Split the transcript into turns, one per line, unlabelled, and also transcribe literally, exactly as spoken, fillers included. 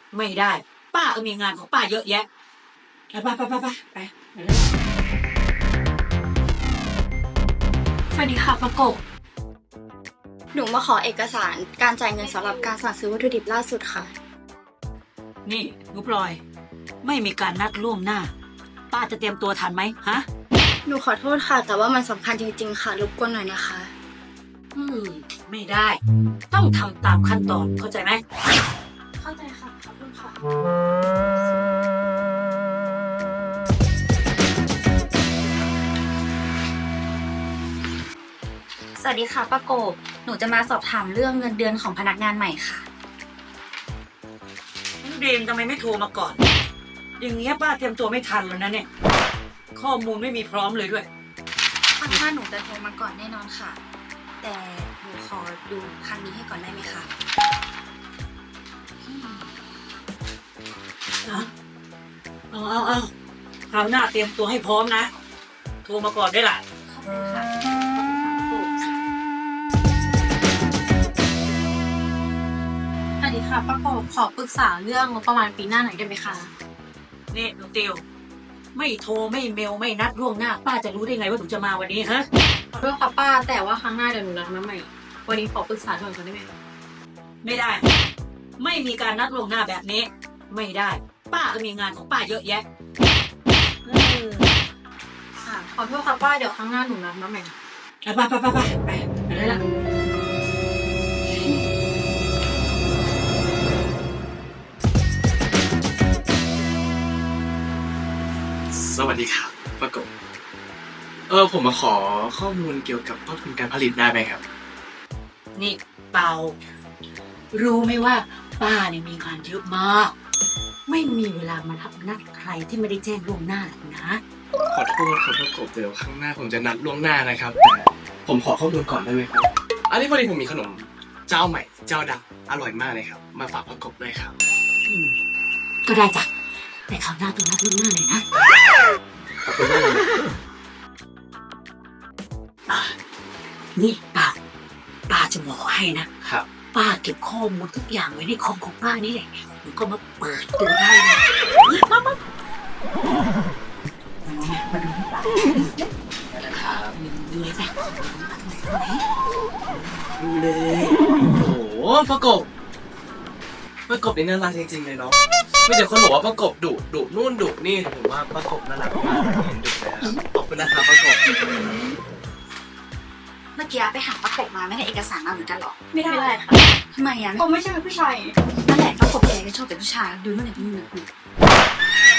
ไม่ได้ ป้าก็มีงานของป้าเยอะแยะไปไปไปไปไปไป
สวัสดีค่ะประกบหนูมาขอเอกสารการจ่ายเงินสำหรับการสั่งซื้อวัตถุดิบล่าสุดค่ะ
นี่หนูพลอย ไม่มีการนัดล่วงหน้า ป้าจะเตรียมตัวทันไหมฮะ
หนูขอโทษค่ะ แต่ว่ามันสำคัญจริงๆค่ะรบกวนหน่อยนะคะ
อืม ไม่ได้ ต้องทำตามขั้นตอนเข้าใจไหม
เข้าใจค่ะขอบคุณค่ะ
สวัสดีค่ะป้าโกบหนูจะมาสอบถามเรื่องเงินเดือนของพนักงานใหม่ค่ะ
เรียนทำไมไม่โทรมาก่อน อย่างเงี้ยป้าเตรียมตัวไม่ทันแล้วนะเนี่ย ข้อมูลไม่มีพร้อมเลยด้วย
ครั้งหน้าหนูจะโทรมาก่อนแน่นอนค่ะ แต่หนูขอดูครั้งนี้ให้ก่อนได้ไหมคะ
เอาเอาเอาคราวหน้าเตรียมตัวให้พร้อมนะ โทรมาก่อนได้ล่ะ
ขอบคุณค่ะ
สวัสดีค่ะป้าโกบขอปรึกษาเรื่องงบประมาณปีหน้าหน่อยได้ไหมคะ
นี่หนูติว ไม่โทรไม่เมลไม่นัดล่วงหน้า ป้าจะรู้ได้ไงว่าหนูจะมาวันนี้ฮะ
ขอโทษค่ะป้าแต่ว่าครั้งหน้าเดี๋ยวหนูนัดมาใหม่ วันนี้ขอปรึกษาด่วนก่อนได้ไหมคะ
ไม่ได้ ไม่มีการนัดล่วงหน้าแบบนี้ ไม่ได้ ป้าก็มีงานของป้าเยอะแยะเออ
ค่ะขอโทษค่ะป้าเดี๋ยวครั้งหน้าหนูนัดมาใหม่
ไปไปไปไปไปไปได้ละ
สวัสดีครับประกบเออผมมาขอข้อมูลเกี่ยวกับต้นทุนการผลิตได้ไหมครับ
นี่เปา รู้ไหมว่า ป้าเนี่ยมีงานเยอะมาก ไม่มีเวลามารับนัดใครที่ไม่ได้แจ้งล่วงหน้าหรอกนะ
ขอโทษครับประกบเดี๋ยวครั้งหน้าผมจะนัดล่วงหน้านะครับแต่ผมขอข้อมูลก่อนได้ไหมครับอันนี้พอดีผมมีขนมเจ้าใหม่เจ้าดังอร่อยมากเลยครับ มาฝากประกบด้วยครับ
อืมก็ได้จ้ะแต่คราวหน้าต้องนัดล่วงหน้าเลยนะ
ขอบคุณมากเลย
อ่ะนี่ป้าป้าจะบอกให้นะครับ ป้าเก็บข้อมูลทุกอย่างไว้ในคอมของป้านี่แหละหนูก็มาเปิดดูได้นะมามามาดูนี่ป้า
นะครับ
ดูเลยจ้ะดูเลย
โอ้โหประกบประกบนี่น่ารักจริงๆเลยเนาะไม่เดี๋ยวคนบอกว่าประกบดุดุนู่นดุนี่ผมว่าประกบน่ารักมากเห็นดุเลยครับขอบคุณนะครับประกบ
เมื่อกี้ไปหาป้าโกบมาไม่ได้เอกสารมาเหมือนกันหรอ
ไม่ได้ค่ะ
ทำไมอ่ะ
ผมไม่ใช่เป็นผู้ชาย
นั่นแหละป้าโกบแกก็ชอบเป็นผู้ชายดูนู่นนี่ดูนี่